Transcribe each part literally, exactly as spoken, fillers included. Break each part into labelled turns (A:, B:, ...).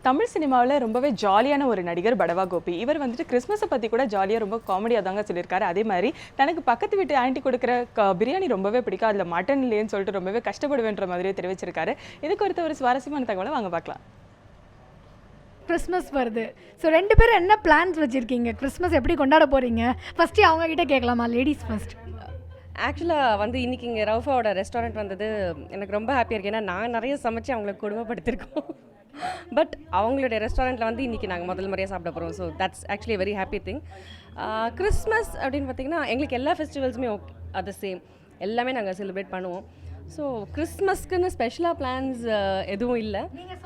A: தமிழ் சினிமாவில் ரொம்பவே ஜாலியான ஒரு நடிகர் படவா கோபி. இவர் வந்துட்டு கிறிஸ்மஸை பற்றி கூட ஜாலியாக ரொம்ப காமெடியாக தாங்க சொல்லியிருக்காரு. அதே மாதிரி தனக்கு பக்கத்து வீட்டு ஆண்டி கொடுக்குற பிரியாணி ரொம்பவே பிடிக்கும், அதில் மட்டன் இல்லைன்னு சொல்லிட்டு ரொம்பவே கஷ்டப்படுவேன்ற மாதிரியே தெரிவிச்சிருக்காரு. இதுக்கு ஒருத்த ஒரு சுவாரஸ்யமான தகவலை வாங்க பார்க்கலாம்.
B: கிறிஸ்மஸ் வருது. ஸோ ரெண்டு பேரும் என்ன பிளான்ஸ் வச்சுருக்கீங்க? கிறிஸ்மஸ் எப்படி கொண்டாட போகிறீங்க? ஃபஸ்ட்டு அவங்க கிட்டே கேட்கலாமா? Ladies first.
C: ஆக்சுவலாக வந்து இன்றைக்கி இங்கே ரவுஃபாவோட ரெஸ்டாரண்ட் வந்தது எனக்கு ரொம்ப ஹாப்பியாக இருக்குது. ஏன்னா நான் நிறைய சமைச்சு அவங்கள கொடுமைப்படுத்திருக்கோம். பட் அவங்களுடைய ரெஸ்டாரண்ட்டில் வந்து இன்றைக்கி நாங்கள் முதல் முறையாக சாப்பிட போகிறோம். So that's actually very happy thing. Christmas அப்படின்னு பார்த்திங்கன்னா எங்களுக்கு எல்லா ஃபெஸ்டிவல்ஸுமே ஓகே, அது சேம் எல்லாமே நாங்கள் செலிப்ரேட் பண்ணுவோம். ஸோ கிறிஸ்மஸ்க்குன்னு ஸ்பெஷலாக பிளான்ஸ் எதுவும் இல்லை.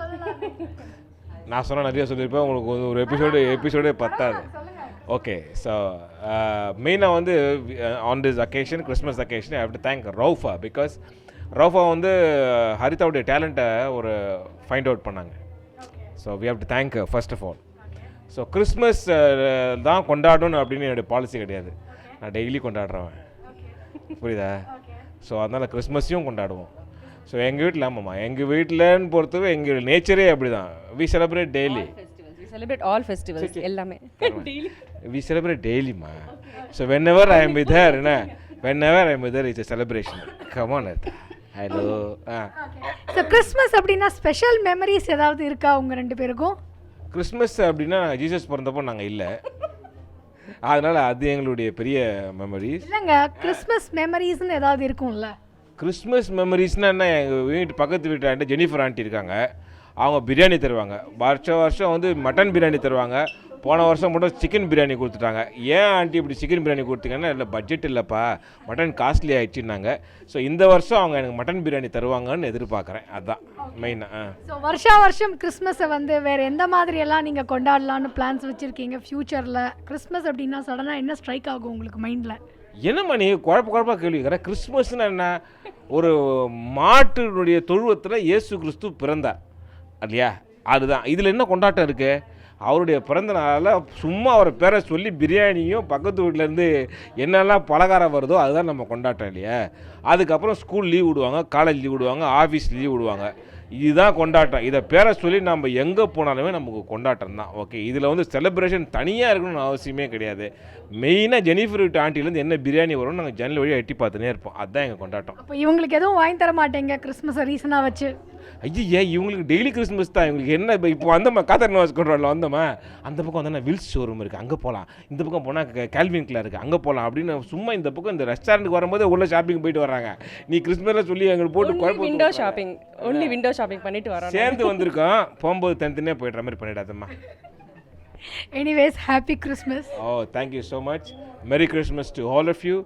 D: நான் சொன்னால் நிறைய சொல்லியிருப்பேன், உங்களுக்கு ஒரு எபிசோடு எபிசோடே பத்தாது. ஓகே, ஸோ மெயினாக வந்து on this occasion, Christmas occasion, I have to thank Raufa. Because Raufa வந்து ஹரிதாவுடைய டேலண்ட்டை ஒரு ஃபைண்ட் அவுட் பண்ணாங்க. So we have to thank first of all. So Christmas தான் கொண்டாடணும் அப்படின்னு என்னுடைய பாலிசி கிடையாது. நான் டெய்லி கொண்டாடுறவன், புரியுதா? ஸோ அதனால் கிறிஸ்மஸையும் கொண்டாடுவோம். ஸோ எங்கள் வீட்டில் ஆமாம்மா, எங்கள் வீட்டில்னு பொறுத்தவரை எங்கள் நேச்சரே அப்படி தான். We celebrate daily.
C: Celebrate all festivals எல்லாமே.
D: வி செலிப்ரேட் டெய்லிமா. So whenever I am with her, என்ன whenever I am with her it's a celebration. Come on Artha. Hello. Ah
B: so Christmas அப்படின்னா ஸ்பெஷல் மெமரிஸ் ஏதாவது இருக்கா உங்கள் ரெண்டு பேருக்கும்?
D: Christmas அப்படின்னா ஜீசஸ் பிறந்தப்போ நாங்கள் இல்லை, அதனால் அது எங்களுடைய பெரிய மெமரிஸ்.
B: இல்லைங்க, கிறிஸ்மஸ் மெமரிஸ்ன்னு ஏதாவது இருக்கும்ல?
D: கிறிஸ்மஸ் மெமரிஸ்னால் என்ன, எங்கள் வீட்டு பக்கத்து வீட்டு ஜெனிஃபர் ஆண்டி இருக்காங்க, அவங்க பிரியாணி தருவாங்க. வருஷம் வருஷம் வந்து மட்டன் பிரியாணி தருவாங்க. போன வருஷம் மட்டும் சிக்கன் பிரியாணி கொடுத்துட்டாங்க. ஏன் ஆண்டி இப்படி சிக்கன் பிரியாணி கொடுத்தீங்கன்னா, இல்லை பட்ஜெட் இல்லைப்பா, மட்டன் காஸ்ட்லி ஆகிடுச்சுன்னாங்க. ஸோ இந்த வருஷம் அவங்க எனக்கு மட்டன் பிரியாணி தருவாங்கன்னு எதிர்பார்க்குறேன். அதுதான் மெயினாக.
B: ஸோ வருஷா வருஷம் கிறிஸ்மஸை வந்து வேறு எந்த மாதிரியெல்லாம் நீங்கள் கொண்டாடலான்னு பிளான்ஸ் வச்சுருக்கீங்க ஃப்யூச்சரில்? கிறிஸ்மஸ் அப்படின்னா சடனாக என்ன ஸ்ட்ரைக் ஆகும் உங்களுக்கு மைண்டில்?
D: என்னம்மா நீ குழப்ப குழப்பா கேள்விக்கிற? கிறிஸ்மஸ்னா என்ன? ஒரு மாட்டினுடைய தொழுவத்தில் இயேசு கிறிஸ்து பிறந்தார் இல்லையா, அதுதான். இதில் என்ன கொண்டாட்டம் இருக்குது? அவருடைய பிறந்த நாளில் சும்மா அவரை பேரை சொல்லி பிரியாணியும் பக்கத்து வீட்டிலேருந்து என்னெல்லாம் பலகாரம் வருதோ அதுதான் நம்ம கொண்டாட்டம் இல்லையா. அதுக்கப்புறம் ஸ்கூல் லீவ் விடுவாங்க, காலேஜ் லீவ் விடுவாங்க, ஆஃபீஸ் லீவ் விடுவாங்க. இதுதான் கொண்டாட்டம். இதை பேரை சொல்லி நம்ம எங்கே போனாலுமே நமக்கு கொண்டாட்டம் தான். ஓகே, இதில் வந்து செலிப்ரேஷன் தனியாக இருக்கணும்னு அவசியமே கிடையாது. மெயினாக ஜெனிஃபர் வீட்டு ஆண்டிலேருந்து என்ன பிரியாணி வரும்னு நாங்கள் ஜன்னல் வழியாக எட்டி பார்த்துனே இருப்போம். அதுதான் எங்கள் கொண்டாட்டம்.
B: அப்போ இவங்களுக்கு எதுவும் வாங்கி தர மாட்டேங்க கிறிஸ்மஸை ரீசனாக வச்சு?
D: ஐயா, இவங்களுக்கு டெய்லி கிறிஸ்மஸ் தான். இவங்களுக்கு என்ன இப்போ இப்போ வந்தோம்மா, காத்தர் நவாஸ் கொண்டாடல வந்தோம்மா, அந்த பக்கம் வந்தோம்னா வில்ஸ் ஷோரூம் இருக்குது, அங்கே போகலாம். இந்த பக்கம் போனால் கேல்வின் கிளார் இருக்குது, அங்கே போகலாம் அப்படின்னு சும்மா இந்த பக்கம் இந்த ரெஸ்டாரண்ட்டுக்கு வரும்போது உள்ள ஷாப்பிங் போயிட்டு வர்றாங்க. நீ கிறிஸ்மஸில் சொல்லி எங்களுக்கு போட்டு குழப்பம்.
C: Window shopping, only window shopping பண்ணிட்டு வரோம்.
D: சேர்ந்து வந்திருக்கோம், போகும்போது தனித்தனியாக போய்ட்ற மாதிரி பண்ணிடாதம்மா.
B: Anyways, happy Christmas.
D: Oh, thank you so much. Merry Christmas to all of you.